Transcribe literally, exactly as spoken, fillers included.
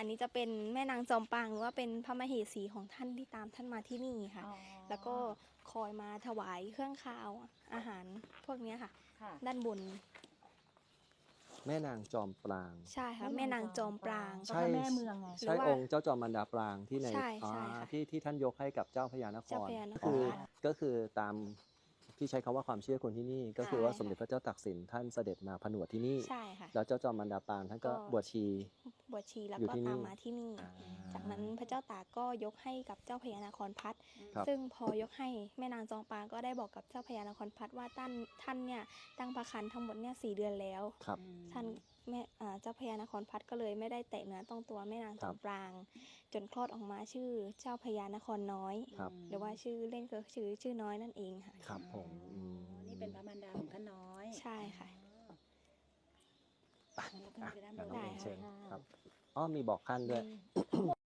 นนี้จะเป็นแม่นางจอมปางหรือว่าเป็นพระมเหสีของท่านที่ตามท่านมาที่นี่ค่ะแล้วก็คอยมาถวายเครื่องคาวอาหารพวกนี้ค่ะด้านบนแม่นางจอมปรางใช่ค่ะแม่นางจอมปรางใช่แม่เมืองไงใช่องค์เจ้าจอมมารดาปรางที่ในที่ที่ท่านยกให้กับเจ้าพญานครคือก็คือตามที่ใช้คำว่าความเชื่อคนที่นี่ก็คือว่าสมเด็จพระเจ้าตากสินท่านเสด็จมาผนวดที่นี่แล้วเจ้าจอมมารดาปรางท่านก็บวชชีบวชชีแล้วก็ตามมาที่นี่จากนั้นพระเจ้าตากก็ยกให้กับเจ้าพญานครพัฒน์ซึ่งพอยกให้แม่นางจอมปรางก็ได้บอกกับเจ้าพญานครพัฒน์ว่าท่านท่านเนี่ยตั้งพระครรภ์ทั้งหมดเนี่ยสี่เดือนแล้วท่านแม่เจ้าพญานครพัฒน์ก็เลยไม่ได้แตะเนื้อต้องตัวแม่นางจอมปรางจนคลอดออกมาชื่อเจ้าพญานครน้อยหรือว่าชื่อเล่นก็ชื่อชื่อน้อยนั่นเองค่ะครับผมนี่เป็นพระมารดาของท่านน้อยใช่ค่ะได้เชิญครับอ๋อมีบอกขั้นด้วย